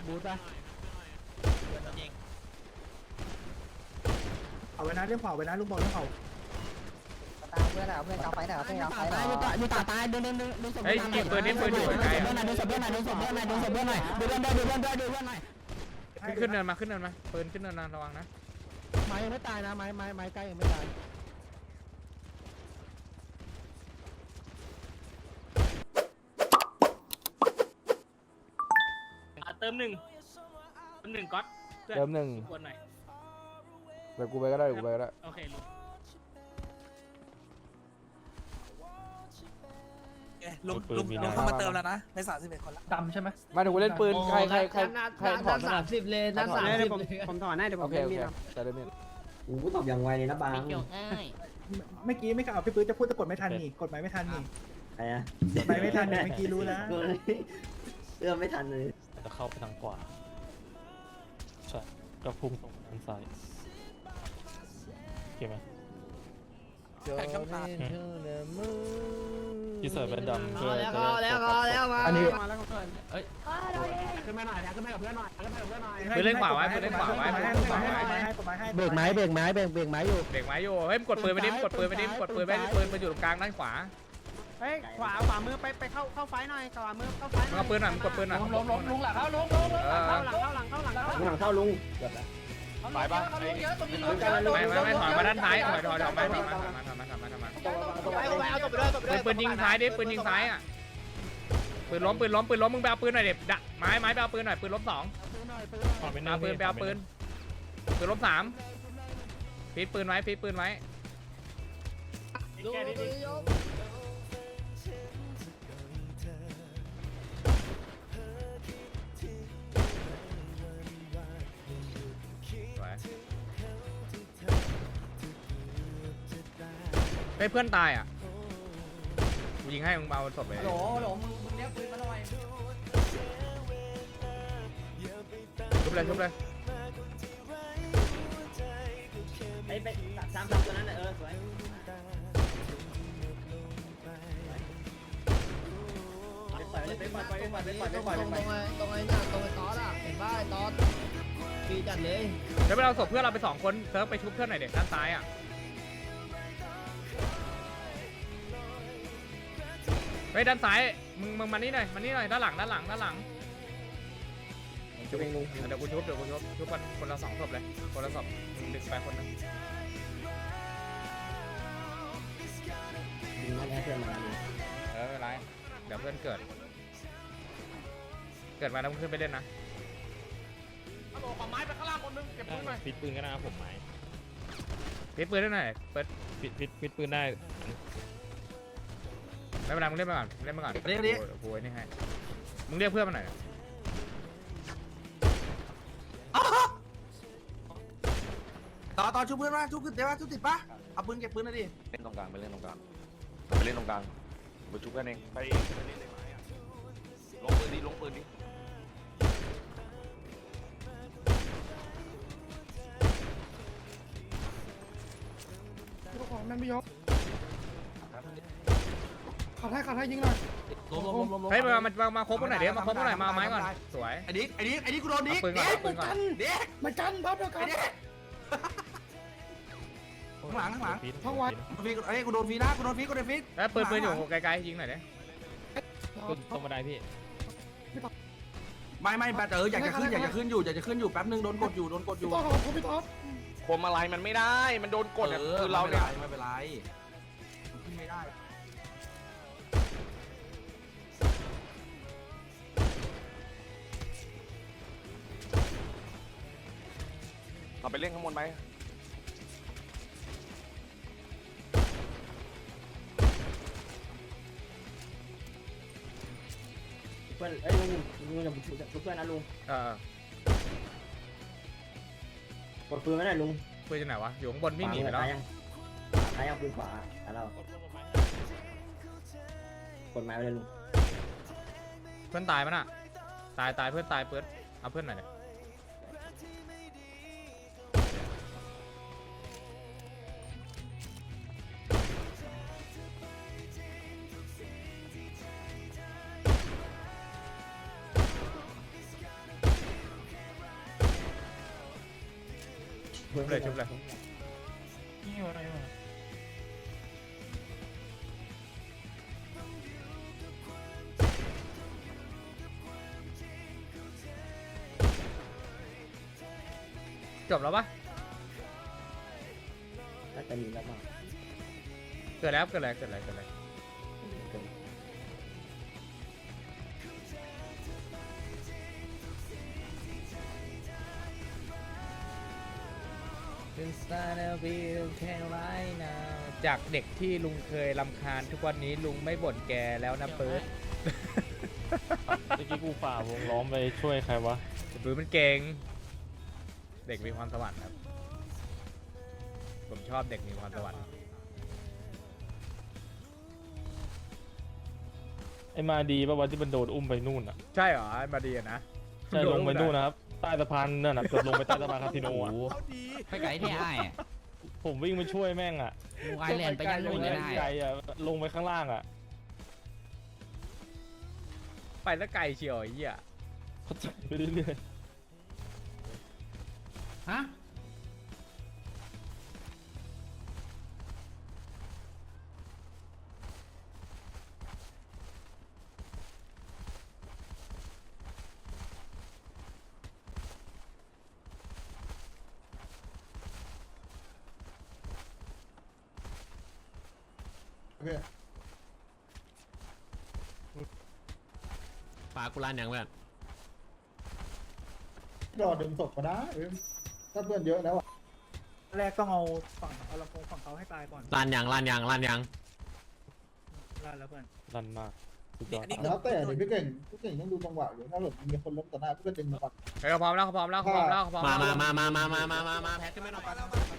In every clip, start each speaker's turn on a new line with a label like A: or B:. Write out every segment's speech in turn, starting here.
A: บูทไป
B: เอาไว้นะเรื่องเผาไว้นะลุงบอกเรื่องเผา
C: ตามเพื่อนเพื่อนเอาไฟหน่อยเพื่อนเอาไฟหน่อย
A: ดูตาตายดูศพ
D: เฮ้ยยิงปืนนี่ปืนอยู่ไกล
A: ดูศพเพื่อนหน่อยดูศพเพื่อนหน่อยดูศพเพื่อนหน่อยดูเพื่อนด้วยดูเพื่อนด้วยดูเพื่อนหน่อย
D: ขึ้นเนินมาขึ้นเนินมาปืนขึ้นเนินนะระวังนะ
A: ไม้ยังไม่ตายนะไม้ใกล้ยังไม่ตาย
E: เติมหนึ่งก๊อต
D: เติมหนึ่ง
E: ควรหน่อย
D: เดี๋ยวกูไปก็ได้กูไปก็ได้
E: โอเคลุง
F: ลุงเข้ามาเติมแล้วนะใน31คนละ
B: ดำใช่ไหม
D: มาเดี๋ยวกูเล่นปืนใครถอด
A: 30เลยนั่นผมถอนให้เดี๋ยวผม
D: โอเค
A: เล่น
D: โอ
A: มี
D: เค
A: ด
D: แต่เล่นมีด
C: โอ้ตอบอย่างไวเลยนะบาง
E: เกี่ยวง่าย
B: เมื่อกี้ไม่กล่าวพี่ปื้ดจะพูดจะกดไม่ทันนี่กดหมายไม่ทันนี่
C: ใครอะ
B: กดหมายไม่ทันนี่เมื่อกี้รู้นะ
C: เอื้อมไม่ทันเลย
G: จะเข้าไปทางขวาใช่ก็พุ่งตรงทางซ้ายโอเคไหมที่ใส่แว่นดำเพื่อจะได้
A: อันนี้
E: ขึ้นมาหน่อยขึ้นมากับเพื่อนหน่อยขึ้นมากับเพื่อนหน่อย
D: ปืนเล่นขวาไว้ปืนเล่นขวาไว้
B: ให้กดหมายให้
A: เบรกไม้เบรกไม้เบรกไม้อยู่
D: เด็กไม้อยู่เฮ้ยกดปืนไปดิกดปืนไปดิกดปืนไปปืนมันอยู่ตรงกลางด้านขวา
A: เฮ้ยขวามือไปเข้าไฟหน่อยขวามือเข้าไฟ
D: มึงเอาปืนหน่อยมึงกดปืนหน่อย
E: ลุงหลังเข้าลุง
A: เข้าหลังเข้าหลัง
C: หลังเข้าลุง
D: ไปปะไม่ถอยมาด้านซ้ายถอยมาปืนยิงซ้ายดิปืนยิงซ้ายอ่ะปืนล้มมึงไปเอาปืนหน่อยเด็ดดะไม้ไปเอาปืนหน่อยปืนล้ม2เอาปืนไปเอาปืนล้ม3ฟีดปืนไว้ให้เพื่อนตายอ่ะกูยิงให้มึงเอาศพไปมึงเลี้ยงปืนมาหน่อยชุบเลย
C: ไปสามตัวนั้นสวย
A: ตรงไอ้ตอสอ่ะเห็นป่ะไอ้ตอสปีจัดเลย
D: เดี๋ยวไปเอาศพเพื่อนเราไป2คนเซิร์ฟไปชุบเพื่อนหน่อยเด็กด้านซ้ายอ่ะเฮ้ยด้านซ้ายมึงมานี่หน่อยด้านหลังชุบเองลุงเดี๋ยวกูชุบชุบคนละ2ศพเลยคนละศพมึงดึงไปคนนึง
C: ดึงมาให้เพื่อนมา
D: ไม่เป็นไรเดี๋ยวเพื่อนเกิดมาแล้วมึงขึ้นไปเล่นนะ
E: ขอไม้ไปข้างล่างคนนึงเก็บปืนหน่อย
G: ฟิตปืนก็นะผมหมาย
D: ปิดปืนได้หน่อยเปิด
G: ฟิตปืนได้
D: ไม่เป็นไรมึงเล่นมาก่อนเรียกโอ้ยนี่ให้มึงเรียกเพื่อนมาหน่อย
F: ต่อชุบเพื่อนมาชุบขึ้นเดี๋ยวชุบติดปะเอาปืนเก็บปืนนะดิ
H: เล่นตรงกลางไปเล่นตรงกลางไปชุบกันเองไปเล่นในไม้อะลงปืนดิ
B: ของนั่นไม่ยกขัดให้ยิงหน่อย
D: เฮ้ยมาคบกันหน่อยเดี๋ยวมาคบกันหน่อยมาไม้ก่อนสวย
F: ไอ้ดิกูโดนดิ
D: ปืนก่อน
F: เด็ก
B: มากันพับเดียวกัน
F: ข้างหลัง
G: ท้องวัด
F: ไอ้กูโดนฟีนะกูโดนฟี
D: แล้วปืนอยู่ไกลๆยิงหน่อยเด้
G: ตรงบันไดพี่
F: ไม่แบบอยากจะขึ้นอยู่แป๊บนึงโดนกดอยู่
B: ต่อของพี่ท็อป
H: คมอะไรมันไม่ได้มันโดนกดอะคือเราเนี่ย
F: ไม่เป็นไรขึ้นไม่ได้
H: เราไปเล่นข้างบนไป
C: เพื่อนลุงอย่าชุบเพื่อนนะลุงกดปืนไม่ได้ลุง
D: ปืนอยู่ไหนวะอยู่ข้างบนวิ่งหนีไปแล้ว
C: ซ้ายยังปืนขวาเรากดไม้ไปเลยลุง
D: เพื่อนตายมั้ยน่ะตายเพื่อนตายเปิดเอาเพื่อนหน่อยชุบเลยชุบเลย
G: นี่อะไรวะ
D: จบแล้วปะ
C: น่าจะมีแล้วมั้ง
D: เกิดแล้วเกิดอะไรเกิดอะไรเกิดอะไร จากเด็กที่ลุงเคยรำคาญทุกวันนี้ลุงไม่บ่นแกแล้วนะเปิร์ด
G: เมื่อกี้กูฝ่าวงล้อมไปช่วยใครวะ
D: ปืนมันเก่ง เด็กมีความสวรรค์ครับ ผมชอบเด็กมีความสวรรค์
G: ไอ้มาดีป่ะวันที่มันโดดอุ้มไปนู่นอ่ะ
D: ใช่เหรอมาดีอะนะ
G: ใช่ลงไปนู่นนะครับใต้สะพานนั่นน่ะเกือบลงไปใต้สะพานคาสิโนอ่ะ
I: ไปไกลที่ไอ้อะ
G: ผมวิ่งไปช่วยแม่งอ่ะ
I: ลุงไอแลนด์ไปยังลุงเลยได้
G: ไกลอ่ะลงไปข้างล่างอ่ะ
D: ไปแล้วไกลเชียวไอ้เหี้ย
G: เขาจับไปเรื่อย
I: ฮะ
E: ฝากกูร้านยังเพื่อน
B: รอดึงศพมาได้ถ้าเพื่อนเยอะแล้วอ่ะแรกต้องเอาลำโพงฝั่งเขาให้ตายก่อน
E: ร้านยัง
B: ลั่นแล้วเพื่อน
G: ๆรันมากสุดยอด
B: แล้วแต่เดี๋ยวพี่เก่งต้องดูจังหวะอยู่ถ้าแบบมีคนล้มต่อหน้าพี่ก็ดึงมาก่อน
D: เฮ้ยเขาพร้อมแล้วเขาพร้อมแล้วเขาพร้อมแล้วเขาพร้อม
E: มา
D: แล้ว
E: มาแพ็คขึ้นมาหน่อย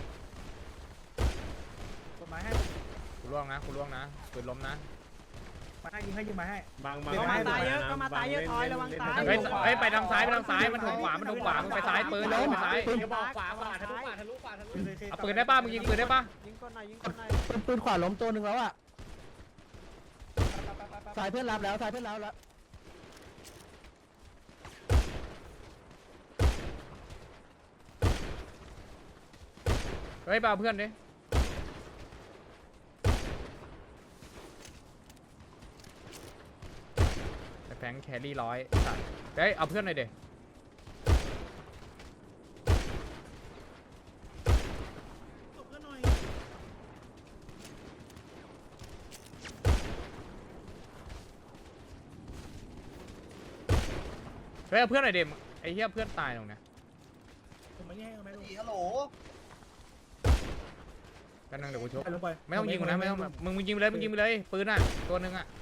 B: กดไม้ให้
D: กูล่วงนะกูล่วงนะปืนล้มนะ
B: มาให้ยิงไม้ให้
A: ก็มาตายเยอะก็มาตายเยอะทอยระวังตาย
D: เฮ้ยเฮ้ยไปทางซ้ายไปทางซ้ายมันถูกขวามันถูกขวามึงไปซ้ายปืนเลยไปซ้าย
A: ขวาทะลุขวาทะลุขวาทะลุ
D: เอาปืนได้ป่ะมึงยิงปืนได้ป่ะ
A: ยิงก้นหน่อยยิงก้นหน่อย
B: ปืนขวาล้มตัวหนึ่งแล้วอ่ะสายเพื่อนรับแล้วสายเพื่อนรับแล้ว
D: เฮ้ยไปเอาเพื่อนดิแฟงแครี่ร้อยสัตว์เฮ้ยเอาเพื่อนหน่อยเด็เฮ้ยเอาเพื่อนหน่อยเด็ไอ้เหี้ยเพื่อนตายตรงเนี้ย
B: ผมไม่แย่งไม่ลง
F: ฮัลโหล
D: กันนึงเดี๋ยวกูชก
B: ลงไป
D: ไม่ต้องยิงกูนะไม่ต้องมึงยิงไปเลยมึงยิงไปเลยปืนอ่ะตัวนึงอ่ะ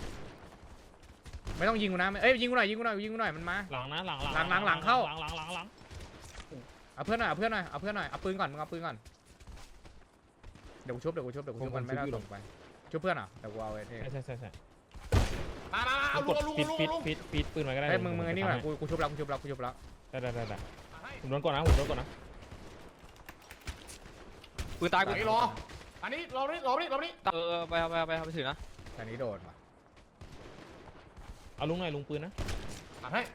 D: ไม่ต้องยิงกูนะเอ้ยยิงกูหน่อยยิงกูหน่อยยิงกูหน่อยมันมา
G: หลังนะหลัง
D: หลังเข้า
G: หลัง
D: เอาเพื่อนหน่อยเอาเพื่อนหน่อยเอาเพื่อนหน่อยเอาปืนก่อนมึงเอาปืนก่อนเดี๋ยวกูชุบมันไม่ได้ส่งไปชุบเพื่อนอ่ะเดี๋ยวกูเอาไอ้เท่
G: ใช่
E: มาเอา
G: ก
E: ลุ
G: ด
E: ง
G: ปิดปืนไว้ก็ได้
D: เฮ้ยมึงไอ้นี่ก่อนกูชุบแล้ว
G: ได้ผมโดนก่อนนะ
H: ปืนตายกู
E: ไอ้รออันนี้รอนี่
H: ไปเอาไปถือนะ
D: แต่นี้โดนว่ะ
G: เอาลุงหน่อยลุงปืนนะ
E: ตัดให้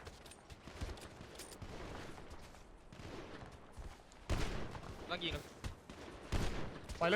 H: ต้องยิง
E: ไปเลย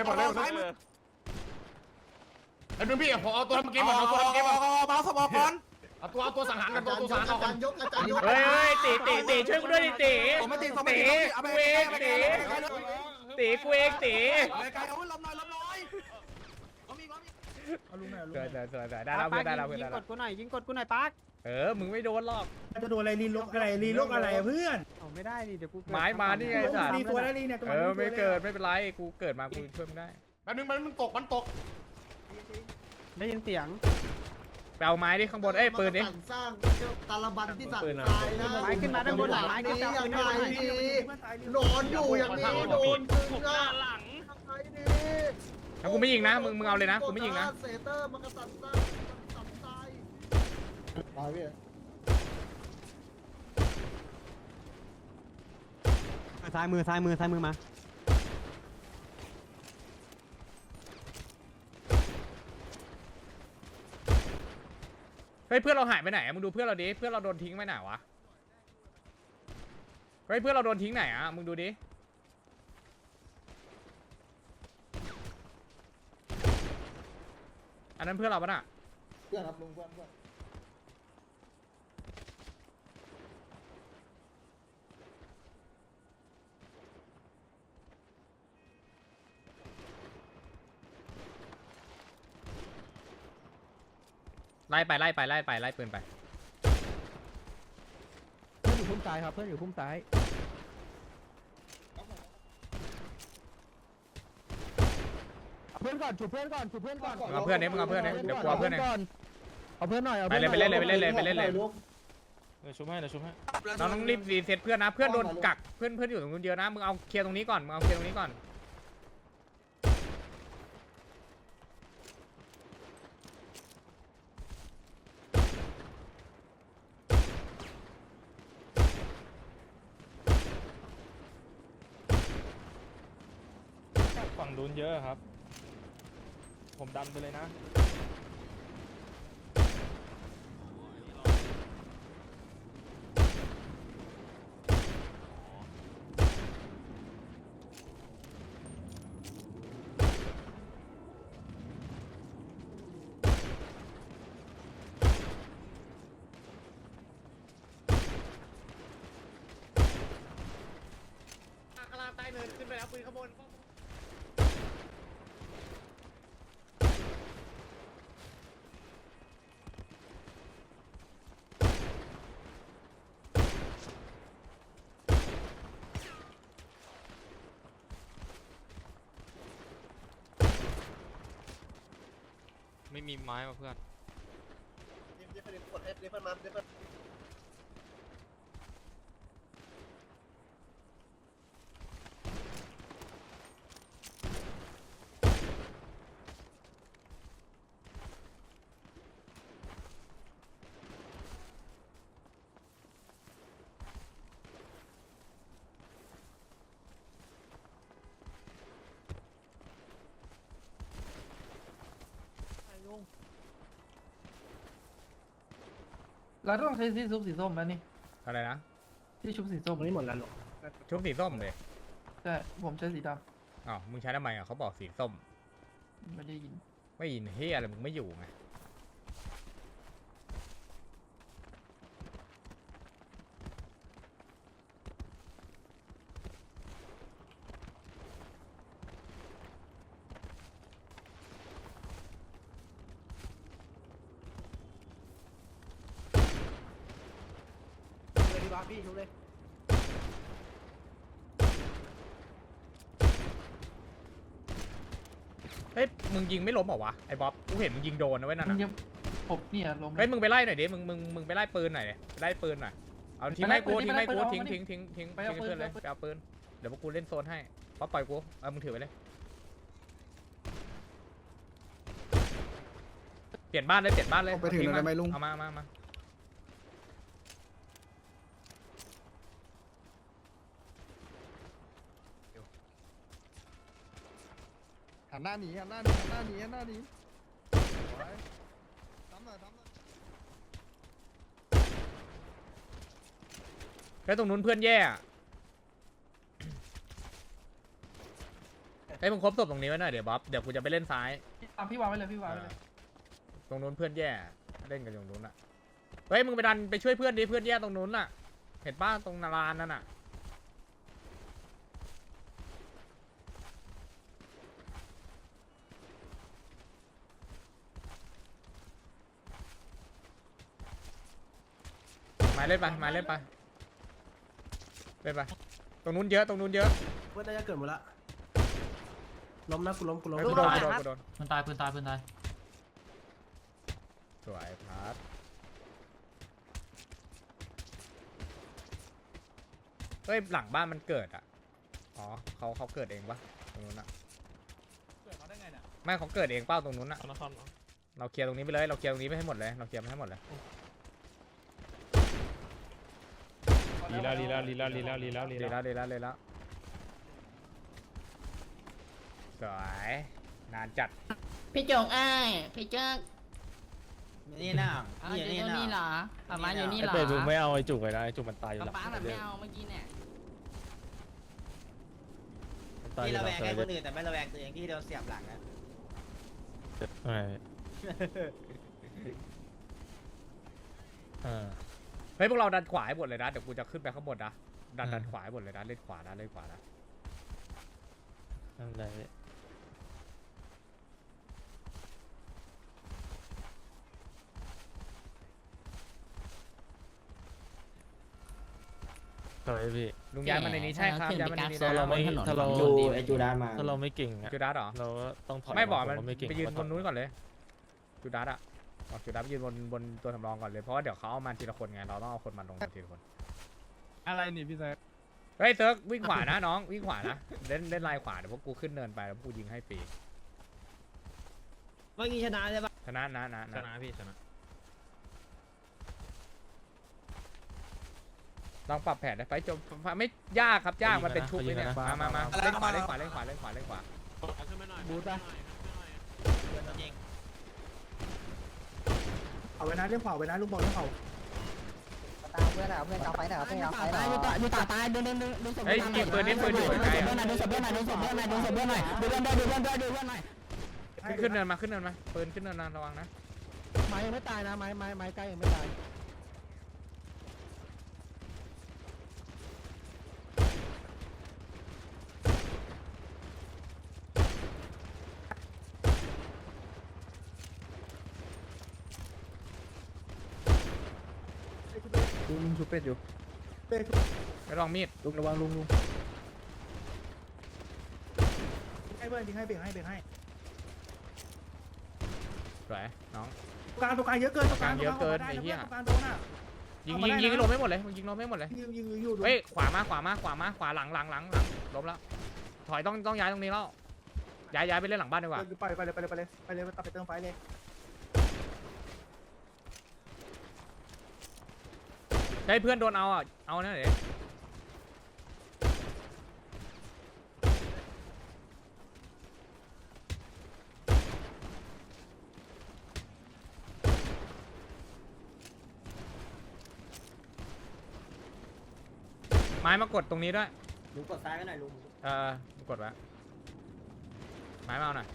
E: ไอ้เพื่อนพี่ผมเอาตัวทำเกมก่อนเอาตัวทำเกมก่อน
F: มาสมองก่อน
E: เอาตัวสังหารกันตัวสังหารก่อน
D: เฮ้ยตีช่วยกูด้วยดิตี
F: ผมไม่ติดผม
D: ตี
F: ไม่ติดเอาไป
D: กูเองตีกูเองตี
F: ไปไกลเอาลมหน่อยเอามี
B: เอาลุงหน่อย
D: สวยได้แล้วเพื่อนได้แล้ว
A: ยิงกดกูหน่อยยิงกดกูหน่อยปัก
D: มึงไม่โดนหรอก
B: จะโดนอะไรรีลกอะไรเพื่อน
A: เอาไม่ได้ดิเดี๋ยวกู
D: ไม้มานี่ไงสัตว์
B: รีตัวแล้วรีเนี่ย
D: ไม่เกิดไม่เป็นไรกูเกิดมากูช่วยไม่ได้
E: แป๊บนึงมันตก
A: ได้ยินเสียง
D: ไปเอาไม้ดิข้างบนปืนดิ
J: สร้างตาลบันที่สั่ง
D: ปืนอะ
J: ตายนะ
A: ไม้ขึ้นมาด้านบนหลังไม้ขึ้นมา
J: ยัง
A: ด้าน
J: ไง
A: บน
J: ดีนอนอยู่อย่างนี้โดนถึงอ่ะยังไงดี
D: แล้วกูไม่ยิงนะมึงเอาเลยนะกูไม่ยิงนะ
J: เซเตอร์มันกระสันตายตายพี่
A: ซ้ายมือมา
D: เฮ้ยเพื่อนเราหายไปไหนมึงดูเพื่อนเราดิเพื่อนเราโดนทิ้งไปไหนวะเฮ้ยเพื่อนเราโดนทิ้งไหนมึงดูดิอันนั้นเพื่อนเราปะน่ะ
B: เพื่อนครับลุงเพื่อนเพื่อน
D: ไล่ไปไล่ไปไล่ไปไล่ปืนไป
A: เพื่อนอยู่พุ่มซ้ายครับเพื่อนอยู่พุ่มซ้ายเพื่อนก่อนฉุบเพื่อนก่อนฉุบเพื่อนก่อน
D: มึงเอาเพื่อนนี้มึงเอาเพื่อนนี้เดี๋ยวกลัวเพื่อนเอง
A: เอาเพื่อนหน่อยเอา
D: ไป
A: เพื่อน
D: เลยไปเล่นเลยไปเล่นเลยไปเล่นเลย
B: ลูก
G: เดี๋ยวชุบให้เดี๋ยวชุบให้
D: น้องต้องรีบรีเซ็ตเพื่อนนะเพื่อนโดนกักเพื่อนอยู่ตรงนู้นเยอะนะมึงเอาเคลียร์ตรงนี้ก่อนมึงเอาเคลียร์ตรงนี้ก่อน
G: ฝั่งนู้นเยอะครับ ผมดันไปเลยนะ
E: ข้างล่างใต้เนินขึ้นไปแล้วปืนข้างบน
G: ไม่มีไม้มาเพื่อน
J: เดี๋ยวเดี๋ยวกดให้เดี๋ยวมาเดี๋ยว
A: เราต้องใช้ที่ชุบสีส้มแล้วนี่
D: อะไรนะ
A: ที่ชุบสีส้มนี่หมดแล้วหรอ
D: ชุบสีส้มเลย
A: ใช่ผมใช้สีด
D: อ้าวมึงใช้ทำไมอ่ะเขาบอกสีส้ม
A: ำไม่ได้ยิน
D: ไม่ยินเฮียอะไรมึงไม่อยู่ไงเฮ้ยมึงยิงไม่ล้มเหรอวะไอ้บ๊อบกูเห็นมึงยิงโดนนะเว้ยนั่น
A: มึง
D: น่ะ
A: ยังผมเนี่ยลง
D: เฮ้ยมึงไปไล่หน่อยดิมึงไปไล่ปืนหน่อยดิไปไล่ปืนหน่อยเอาทิ้งให้กูทิ้งให้กูทิ้งเพื่อนเลยไปเอาปืนเดี๋ยวพวกกูเล่นโซนให้ป๊อปปล่อยกูเอามึงถือไปเลยเปลี่ยนบ้านเลยเปลี่ยนบ้านเลยไปถึงได้ไหมลุงเอามา
J: หันหน้าหนีหันหน้าหนีหันหน้าหนีหันหน้าหนีทำหน่อยทำหน่อย
D: แล้วตรงนู้นเพื่อนแย่อะเฮ้ยมึงครบศพตรงนี้ไว้หน่อยเดี๋ยวบ๊อบเดี๋ยวกูจะไปเล่นซ้าย
A: ตามพี่วางไว้เลยพี่วางไว้เลย
D: ตรงนู้นเพื่อนแย่เล่นกันตรงนู้นอ่ะเฮ้ยมึงไปดันไปช่วยเพื่อนดิเพื่อนแย่ตรงนู้นอ่ะเห็นป้าตรงนาลานนั่นอ่ะมาเล่นไปมาเล่นไปเล่นไปตรงนู้นเยอะตรงนู้นเยอะ
J: เพื่อนน่าจะเกิดหมดละล้มนะกูล้มกูล้ม
D: เฮ้ยกูโดนกูโดน
I: ปืนตายปืนตายปืนตาย
D: สวยพาร์ทเฮ้ยหลังบ้านมันเกิดอ่ะอ๋อเขาเกิดเองปะตรงนู้นอ่ะ
G: เกิดมาได้ไงเนี่ย
D: ไม่เขาเกิดเองเป้าตรงนู้นอ่ะ
G: เอานะครับ
D: เราเคลียร์ตรงนี้ไปเลยเราเคลียร์ตรงนี้ไปให้หมดเลยเราเคลียร์ไปให้หมดเลย
G: ลีแล้วลีแล้วลีแล้วลีแล้วลีแล้วลี
D: ดี
G: แล้ว
D: แล้วเลยแล้วสวยนานจัด
I: พี่จงพี่เจ้า
C: นี่นะ
I: อยู่นี่เหรอประมาณอยู่นี่เหรอ
G: ไอ้เป็ดมึงไม่เอาไอ้จุกเลยนะไอ้จุกมันตายอยู่หลัง
I: ป้าแบบไม่เอาเมื่อกี้เนี่ย
G: มันตายอ
C: ที่
G: ยู่
C: ระ
G: ห
C: แว
G: ลัง
C: ง
G: เซอ
C: ให้
G: ร์
C: คนอื่นแต่ไม่ระแวงตัวเองที่โดนเสียบหลังนะ
G: ใช่
D: เฮ้ยพวกเราดันขวาให้หมดเลยนะเดี๋ยวกูจะขึ้นไปข้างบนนะดันขวาให้หมดเลยนะเล่นขวานะเล่นขวานะ
G: นั่นแหละต่อยพี่
D: ลุงย้ายมาในนี้ใช่ครับย้ายมาในนี้
G: ถ้าเราไม่ถ้าเรา
C: ไอจูดานมา
G: ถ้าเราไม่เก่งอะ
D: จูดัสเหรอ
G: เราก็ต้องถอย
D: ไม่บอกมัน
G: เราไม่เก่ง
D: ไปยืนบ
G: ก็ต้อน ง
D: นู้นก่อนเลยจูดัสอะบอกจูดัสไปยืนบนตัวสำรองก่อนเลยเพราะว่าเดี๋ยวเขาเอามาทีละคนไงเราต้องเอาคนมาลงทีละคน
E: อะไรนี่พี่แซค
D: เฮ้ยเซิร์กวิ่งขวานะน้องวิ่งขวานะเล่นลายขวาเดี๋ยวพวกกูขึ้นเนินไปแล้วพวกกูยิงให้ฟรี
C: เมื่อกี้ชนะใช่ปะ
D: ชนะนะ
G: ชนะพี่ชนะ
D: ลองปรับแผนได้ไฟจบไม่ยากครับยากมันเป็นชุบเลยเนี่ยมาเล่นขวาเล่นขวาเล่นขวาเล่นขวาเล่นขวา
E: บูทไป
B: เอาไว้นะเรื่องเผาไว้นะลุงบอกเรื่องเผา
A: ตามเพื่อนอ่ะเพื่อนเอาไฟหน่อยเพื่อนเอาไฟหน่อยดูตาตายดูศพ
D: เฮ้ยยิงปืนนี่ปืนอยู่ไกลๆอะ
A: ดูศพเพื่อนหน่อยดูศพเพื่อนหน่อยดูศพเพื่อนหน่อยดูเพื่อนด้วยดูเพื่อนด้วยดูเพื่อนหน่อย
D: ขึ้นเนินมาปืนขึ้นเนินนะระวังนะ
A: ไม้ยังไม่ตายนะไม้ใกล้ยังไม่ตาย
B: ลุงชูเป็ดอยู่
D: ไปลองมีด
B: ลุงระวังลุงให้เบิร์นยิงให้เบรกให้
D: สวยน้อง
B: ตรงกลางเยอะเกินตรงกลาง
D: เยอะเกินไอ้เหี้ย
B: ตรงกลางโดนอ่ะ
D: ยิงลงไม่หมดเลยยิงลงไม่หมดเลย
B: ยิงอยู่
D: เฮ้ยขวามาขวาหลังล้มแล้วถอยต้องย้ายตรงนี้แล้วย้ายไปเล่นหลังบ้านดีกว่า
B: ไปเลยตัดไปเติมไฟเลย
D: ให้เพื่อนโดนเอาอ่ะเอานั่นเลยไม้มากดตรงนี้ด้วย
C: ลุงกดซ้ายไว้หน่อยลุง
D: กดไว้ไม้มาเอาหน่อย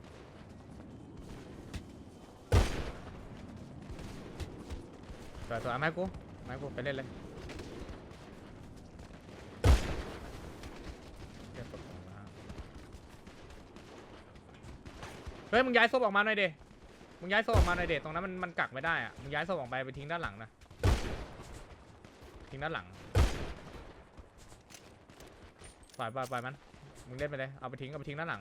D: สวยไม้กูไปเล่นเลยเฮ้ยมึงย้ายศพออกมาหน่อยเดมึงย้ายศพออกมาหน่อยเดตรงนั้นมันกักไม่ได้อ่ะมึงย้ายศพออกไปทิ้งด้านหลังนะทิ้งด้านหลังปล่อยมันมึงเล่นไปเลยเอาไปทิ้งด้านหลัง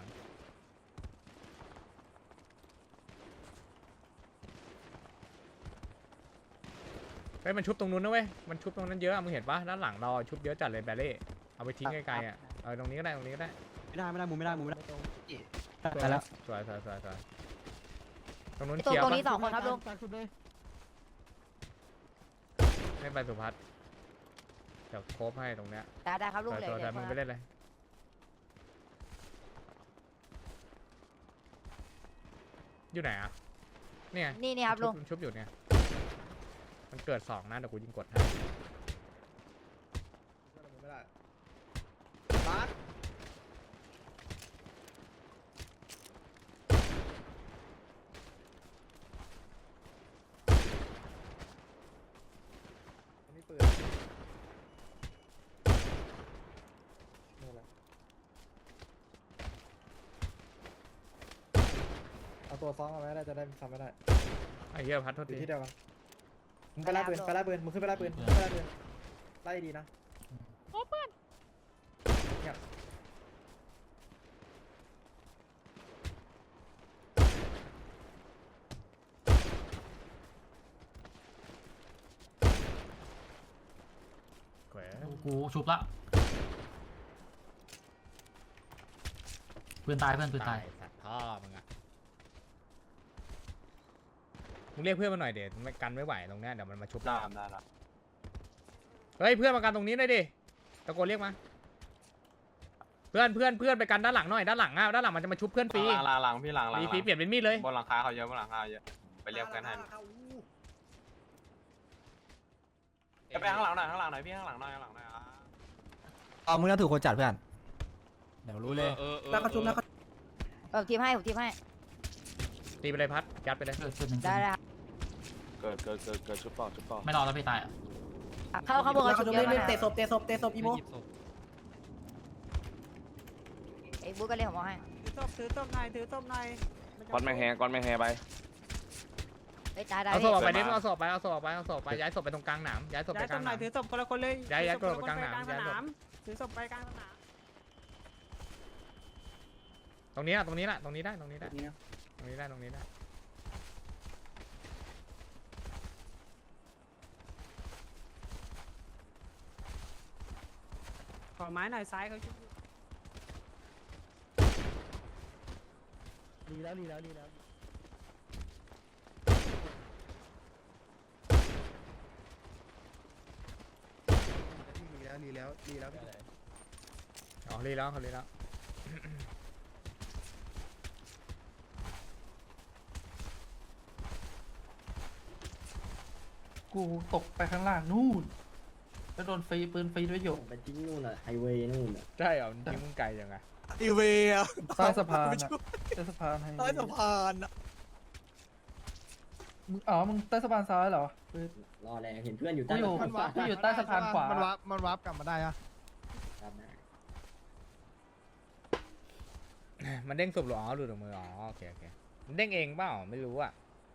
D: เฮ้ยมันชุบตรงนู้นนะเว้ยมันชุบตรงนั้นเยอะมึงเห็นปะด้านหลังเราชุบเยอะจัดเลยแบลเล่เอาไปทิ้งไกลๆอ่ะตรงนี้ก็ได้
A: ไม่ได้มุมไม่ได้
D: ไปแล้วสวยตรงนู้นเคลียร์
I: ตรง
D: ปะ
I: นี้2 คนครับลุง
D: เล่นไปสุพัฒน์เดี๋ยวโคบให้ตรงเนี้ย
I: ได้ครับลุงเลย
D: สวยมึงไปเล่นเลยอยู่ไหนอ่ะเนี่ย
I: นี่ครับลุง
D: ชุบอยู่เนี่ยมันเกิด2นะเดี๋ยวกูยิงกดให้
J: บาส
B: นี่ปืนเอาตัวซ้อมมาไว้ได้จะได้ทำไม่ได้
D: ไอ้เหี้ยพัดโทษ
B: อยู่
D: ที
B: ที่เดียวกันมึงไปไล่ปืนมึงขึ้นไปไล่ปืนไล่ดีนะโอ้เพื่อน
D: แขว
I: กูชุบละปืนตายปืนตาย
D: สัตว์พ่อมึงอะมึงเรียกเพื่อนมาหน่อยเดี๋ยวมันกันไม่ไหวตรงเนี้ยเดี๋ยวมันมาชุบ
H: ได้ละ
D: เฮ้ยเพื่อนมากันตรงนี้หน่อยดิตะโกนเรียกมาเพื่อนไปกันด้านหลังหน่อยด้านหลังมันจะมาชุบเพื่อนฟรี
H: หลังพี่หลัง
D: ฟรีเปลี่ยนเป็นมีดเลย
H: บนหลังคาเขาเยอะไปเรียกกันให้ไปข้างหลังหน่อยพี่ข้างหลังหน่อย
A: เอามึงน่าถูกคนจัดเพื่อนเดี๋ยวรู้เลย
B: แล้วก็ชุบแล้วก็
I: ผมทีมให้
D: ตีไปเลยพัดยัดไปเลย
I: เกิดจุดหนึ่ง
A: ได้แล้ว
H: เกิดชุบต่อ
I: ไม่รอแล้วพี่ตายอ่ะ
A: เข้าบนกับชุดเยอะนะ
F: เตะศพอีโม
A: ไอ้บุ๊กก็เรียกผมให้
F: ถือศพหน่อย
H: ก้อนแม่แฮไป
A: ไอ้ตายได้
D: เอาศพออกไปดิเอาศพไปย้ายศพไปตรงกลางหนามย้ายศพไปกลางหนาม
F: ถือศพคนละคนเลย
D: ย้ายตัวไปกลางหนามย้ายศพ
F: ถือศพไปกลางสนาม
D: ตรงนี้ได้ตรงนี้ได้
F: ขอไม้หน่อยซ้ายเขาชุบ
B: ดีแล้ว
D: อ๋อรีแล้วเขารีแล้ว
G: กูตกไปข้างล่างนู่นแล้วโดนฟรีปืนฟรีด้วยหยก
C: ไปทิ้งนู่นอ่ะไฮเวย์นู่นอ่ะ
D: ใช่เหรอทิ้งมึงไกลยังไง
F: อีเวีย
G: ใต้สะพานอะใต้สะพานให้
F: ใต้สะพานอะ
G: มึงมึงใต้สะพานซ้ายเหรอ
C: รอแล้วเห็นเพื่อนอยู่
G: กู
C: ใต้
G: อยู่กูอยู่ใต้สะพานขวา
B: มันวาร์ปกลับมาได้อะ
D: มันเด้งสุบหรออ๋อหลุดออกมืออ๋อโอเคมันเด้งเองเปล่าไม่รู้อ่ะ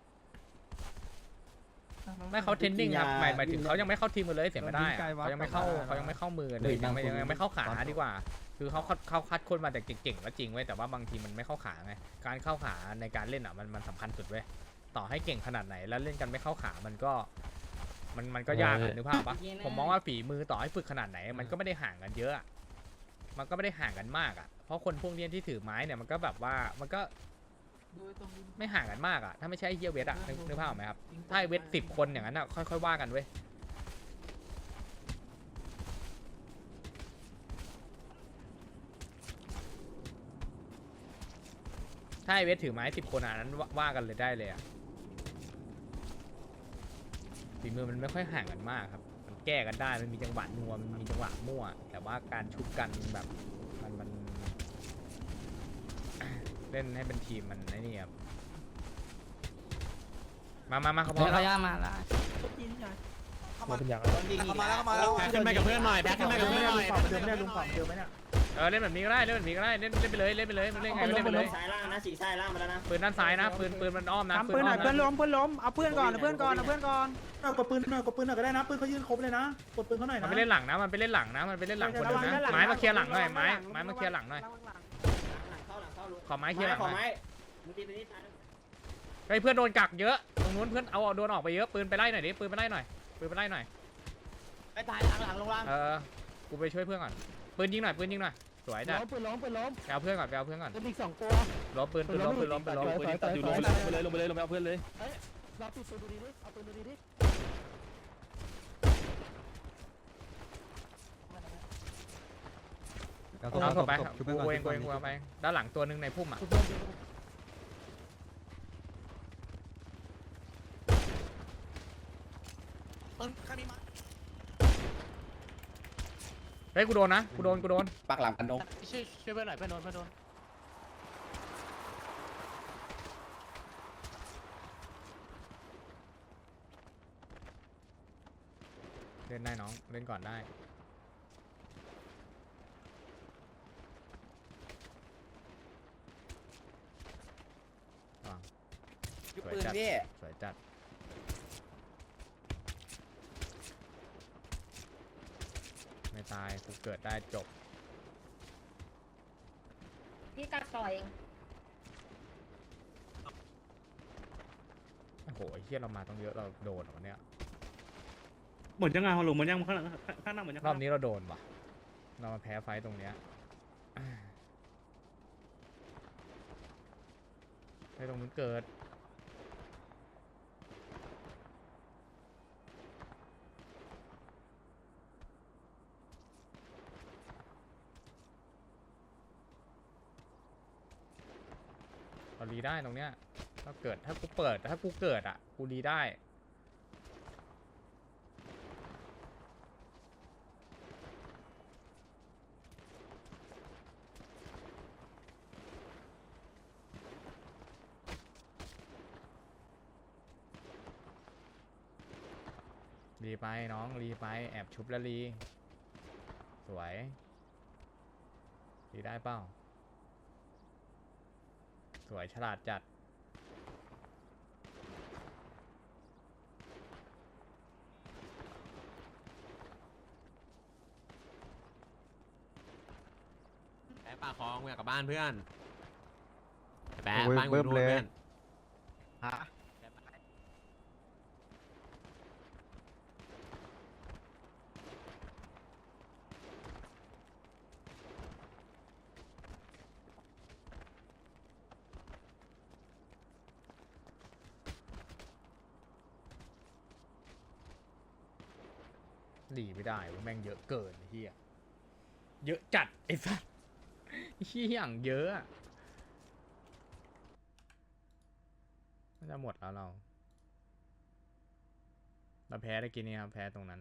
D: ไม่เขาเทรนนิ่งครับหมายถึงเขายังไม่เข้าทีมกันเลยเสียไม่ได้เขายังไม่เข้ามือกันเลยยังไม่เข้าขาดีกว่า คือเขาคัดคนมาแต่เก่งๆก็จริงเว้ยแต่ว่าบางทีมันไม่เข้าขาไงการเข้าขาในการเล่นอ่ะมันสำคัญสุดเว้ยต่อให้เก่งขนาดไหนแล้วเล่นกันไม่เข้าขามันก็ยากนึกภาพปะผมมองว่าฝีมือต่อให้ฝึกขนาดไหนมันก็ไม่ได้ห่างกันเยอะมันก็ไม่ได้ห่างกันมากอ่ะเพราะคนพวกนี้ที่ถือไม้เนี่ยมันก็แบบว่ามันก็ไม่ห่างกันมากอ่ะถ้าไม่ใช่เฮียเวทอ่ะนึกภาพออกไหมครับถ้าเวท10 คนอย่างนั้นอ่ะค่อยๆว่ากันเว้ยถ้าเวทถือไม้10 คนอ่ะนั้นว่ากันเลยได้เลยอ่ะฝีมือมันไม่ค่อยห่างกันมากครับมันแก้กันได้มันมีจังหวะนัวมันมีจังหวะมั่วแต่ว่าการชุบกันแบบมันเล่นให้เป็นทีมมันไอ้นี่ครับมาเขาพร้อมแล้ว
A: มาละ
G: มันเป็นอย่างไร
F: มาแล้ว
E: แพ็คขึ้นไปกับเพื่อนหน่อยแพ็คขึ้นไปกับเพื่อนหน่อย
B: เดิมไม่ได้ลุงฝั่งเดิมไหมเนี่ย
D: เล่นแบบนี้ก็ได้เล่นไปเลยมันเล่นไงเล่นไปเลย
C: ซ้ายล่างนะฉีกซ้ายล่างมาแล้วนะ
D: ปืนด้านซ้ายนะปืนมันอ้อมนะ
F: ทำปืนหน่อยเพื่อนล้มเอาเพื่อนก่อนเอาเพื่อนก่อน
B: กดปืนหน่อยก็ได้นะปืนเขายืนครบเลยนะกดปืนเขาหน่อย
D: มัน
B: นะ
D: ไปเล่นหลังนะมันไปเล่นหลังคนนึงนะไม้มาเคลียร์หลังหน่อยไม้มาเคลียร์หลังหน่อย
C: หลังเข้าลูก
D: ขอไม้เคลียร์หลัง
C: ขอ
D: หน่
C: ไม้
D: อย
C: มึงตีไปนี่ตาย
D: ไอ้เพื่อนโดนกักเยอะตรงนู้นเพื่อนเอาโดนออกไปเยอะปืนไปไล่หน่อยดิปืนไปไล่หน่อย
F: ไปตายหลังลงล่าง
D: กูไปช่วยเพื่อนก่อนปืนยิงหน่อยสวยจ้ะ
B: ปืนล้ม
D: ไปเอาเพื่อนก่อน
B: ปืนอีก2ตัว
D: ล้มปืนล้ม
G: ปืนที่ตัดอยู่ลงไปเลยลงไปเอาเพื่อนเลย
B: รับปืนดูดีดิเอาปืนดูดีดิ
D: เอาศพไปกูเองเอาไปด้านหลังตัวนึงในพุ่มอ่ะเฮ้ยกูโดนนะกูโดน
F: ปากหลังกันนก
G: ช่วยเพื่อนหน่อยเพื่อนโดน
D: เล่นได้น้องเล่นก่อนได้สวยจัดไม่ตายกูเกิดได้จบ
A: พี่กัดต่อย
D: โอ้โหไอ้เหี้ยเรามาต้องเยอะเราโดนวันเนี้ย
E: หมดยังไงฮอลโหลหมดยังข้างหน้าหมดยัง
D: รอบนี้เราโดนว่ะเรามาแพ้ไฟตรงเนี้ยไอ้ตรงนู้นเกิดเรารีได้ตรงเนี้ยถ้ากูเกิดอ่ะกูรีได้รีไปน้องรีไปแอบชุบแล้วรีสวยรีได้เปล่าสวยฉลาดจัด
K: แปะปากคลองกูอยากกลับบ้านเพื่อนแปะบ้านกูนู่นเพื่อนฮะ
D: หลีไม่ได้เว้ยแม่งเยอะเกินไอ้เฮียเยอะจัดไอ้สัสเฮียอย่างเยอะอะมันจะหมดแล้วเราแพ้ได้กินนี่ครับแพ้ตรงนั้น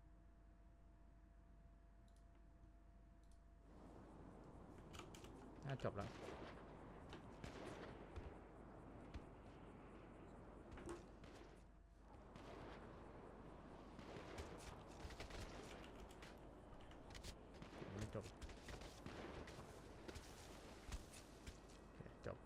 D: น่าจบแล้วไม่จบจบ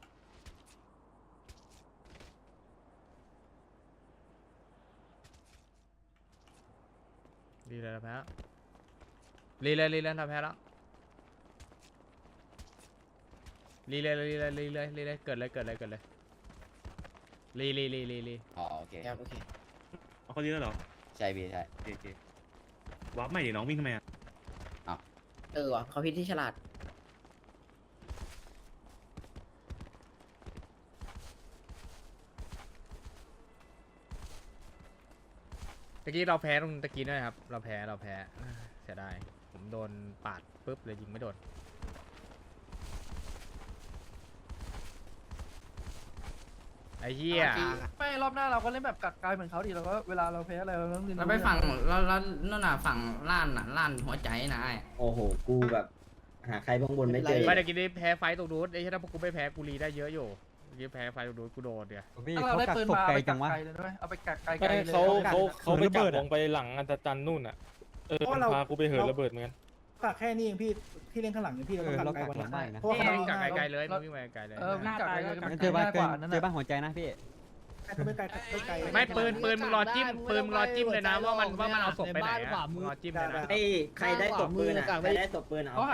D: รีเลยเราแพ้แล้วรีเลยเราแพ้แล้วรีเลยเกิดเลยรี
K: อ๋อโอเค
A: ครับโอเค
K: เอาเขาดีแล้วเหรอใช่พี่ใช่โอเควับใหม่ดิน้องวิ่งทำไมอ่ะ
A: ว่ะเขาพิษที่ฉลาด
D: ตะกี้เราแพ้ตรงตะกี้ด้วยครับเราแพ้เสียดายผมโดนปาดปุ๊บเลยยิงไม่โดนไอ้เหี้ย
B: ไม่รอบหน้าเราก็เล่นแบบกักกายเหมือนเขาดิเราก็เวลาเราแพ้อะไรเราต้องเล่น
A: เราไปฝั่งเรานั่นน่ะฝั่งล้านหัวใจนะไอ้
C: โอ้โหกูแบบหาใครบ้างบนไม่เจอ
D: ไม่ตะกี้ได้แพ้ไฟตรงนู้นไอ้เหี้ยถ้าพวกกูไม่แพ้กูรีได้เยอะอยู่เมื่อกี้แพ้ไฟตรงนู้นกูโดนเดียว
B: ถ้าเราได้ปืนมาเอาไปกักไกลเลยด้วยเอาไปกักไกลเลย
G: เขาไปจับลงไปหลังอันตรจันนู่นอ่ะพากูไปเหินระเบิดเหมือนกัน
B: กักแค่นี้เองพี่ที่เล่นข้างหลังเนี่ยพี่เราต้องกักไกลกว่านั้นเพราะว่า
D: วิ่งจากไกลๆเลยมึงวิ่งไปไกลๆเลย
B: วิ่งกักไกลเลยเจอบ้านกว่านั้น
G: เจอบ้านหัวใจนะพี่
B: ไม่ไกลไกล
D: ไม่ปืนมึงรอจิ้มเลยนะว่ามันเอาศพไปไหนอะมึงรอจิ้มเลยนะ
C: ไอ้ใครได้ตบปืนอ่ะใครได้ตบปืนเอาไป